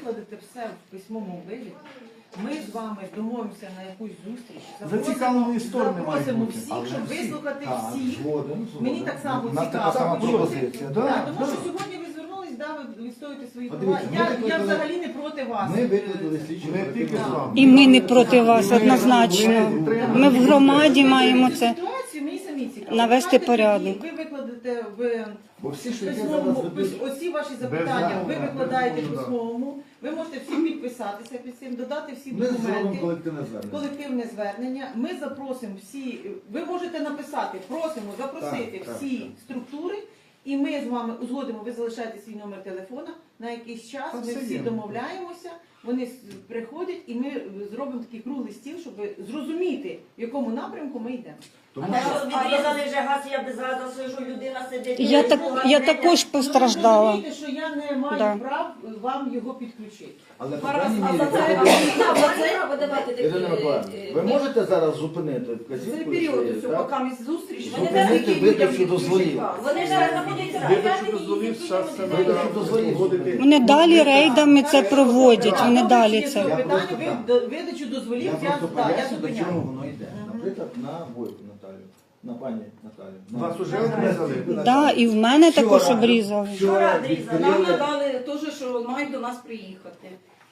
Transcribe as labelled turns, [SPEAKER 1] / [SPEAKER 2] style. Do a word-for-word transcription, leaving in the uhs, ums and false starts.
[SPEAKER 1] викладете все в письмовому вигляді. Ми з вами домовимося на якусь зустріч.
[SPEAKER 2] Зацікавлені сторони мають
[SPEAKER 1] Запросимо
[SPEAKER 2] бути.
[SPEAKER 1] всіх, щоб вислухати
[SPEAKER 2] Так,
[SPEAKER 1] всіх.
[SPEAKER 2] згоден, згоден.
[SPEAKER 1] Мені так само
[SPEAKER 2] У нас
[SPEAKER 1] цікаво.
[SPEAKER 2] така сама
[SPEAKER 1] почути.
[SPEAKER 2] пропозиція.
[SPEAKER 1] Так,
[SPEAKER 2] Да,
[SPEAKER 1] тому
[SPEAKER 2] да.
[SPEAKER 1] що сьогодні ви звернулись, да, ви відстоюєте свої
[SPEAKER 3] От
[SPEAKER 1] права.
[SPEAKER 3] дивіться, ми
[SPEAKER 1] Я, я
[SPEAKER 3] викликали-
[SPEAKER 1] взагалі не проти вас.
[SPEAKER 3] Ми викликали слідчу
[SPEAKER 2] Не тільки з вами.
[SPEAKER 4] І ми не проти вас однозначно. Ми в громаді маємо це.
[SPEAKER 1] Ситуацію мені самі цікаво.
[SPEAKER 4] навести
[SPEAKER 1] Давайте
[SPEAKER 4] порядок.
[SPEAKER 1] тоді Ви викладете в
[SPEAKER 3] Бо всі, що яке
[SPEAKER 1] письмовому,
[SPEAKER 3] зараз ведуть,
[SPEAKER 1] пис- оці ваші запитання, ви
[SPEAKER 2] Без
[SPEAKER 1] викладаєте в
[SPEAKER 2] запиту, да.
[SPEAKER 1] письмовому, ви можете всі підписатися під цим, додати всі
[SPEAKER 3] ми зробимо
[SPEAKER 1] документи.
[SPEAKER 3] колективне звернення.
[SPEAKER 1] Колективне звернення. Ми запросимо всі, ви можете написати, просимо запросити
[SPEAKER 3] Так, так,
[SPEAKER 1] всі
[SPEAKER 3] так.
[SPEAKER 1] структури, і ми з вами узгодимо, ви залишаєте свій номер телефона на якийсь час,
[SPEAKER 2] Та
[SPEAKER 1] ми
[SPEAKER 2] все
[SPEAKER 1] всі
[SPEAKER 2] є.
[SPEAKER 1] домовляємося, вони с- приходять і ми зробимо такий круглий стіл, щоб зрозуміти, в якому напрямку ми йдемо.
[SPEAKER 3] Тому
[SPEAKER 5] А
[SPEAKER 3] що
[SPEAKER 5] що відрізали вже газ, я без газу сижу, людина сидить.
[SPEAKER 4] Я так я також постраждала.
[SPEAKER 1] Ви розумієте, що я не маю
[SPEAKER 4] Да.
[SPEAKER 1] прав вам його підключити.
[SPEAKER 3] Але по
[SPEAKER 5] Зараз,
[SPEAKER 3] крайній
[SPEAKER 5] а
[SPEAKER 3] мірі,
[SPEAKER 5] за
[SPEAKER 3] ви
[SPEAKER 5] це
[SPEAKER 3] будете-
[SPEAKER 5] за це треба давати такі.
[SPEAKER 3] Ірина Миколаївна, ви можете зараз зупинити вказівку?
[SPEAKER 1] Цей період,
[SPEAKER 3] свою,
[SPEAKER 1] ось,
[SPEAKER 3] так?
[SPEAKER 1] поки ми зустріч,
[SPEAKER 5] Вони
[SPEAKER 3] Зупинити
[SPEAKER 5] зараз
[SPEAKER 3] видачу дозволів.
[SPEAKER 5] Вони зараз знаходяться в
[SPEAKER 2] Видачу дозволів, зараз це
[SPEAKER 3] Видачу дозволів. зупинити.
[SPEAKER 4] Вони далі рейдами це проводять. Вони далі це.
[SPEAKER 1] Питання
[SPEAKER 3] просто
[SPEAKER 1] ви
[SPEAKER 3] так.
[SPEAKER 1] до- видачу дозволів,
[SPEAKER 3] Я
[SPEAKER 1] я,
[SPEAKER 3] просто
[SPEAKER 1] да, я
[SPEAKER 3] поясню, до чого
[SPEAKER 1] зупиняю.
[SPEAKER 3] воно йде. Наприклад, на Бойку Наталію, на пані Наталію. на-
[SPEAKER 2] Вас уже обрізали?
[SPEAKER 4] Да, і в мене також обрізали.
[SPEAKER 5] Вчора
[SPEAKER 3] Вчора
[SPEAKER 5] обрізали.
[SPEAKER 6] Нам
[SPEAKER 3] відкрили.
[SPEAKER 6] надали теж, що мають до нас приїхати.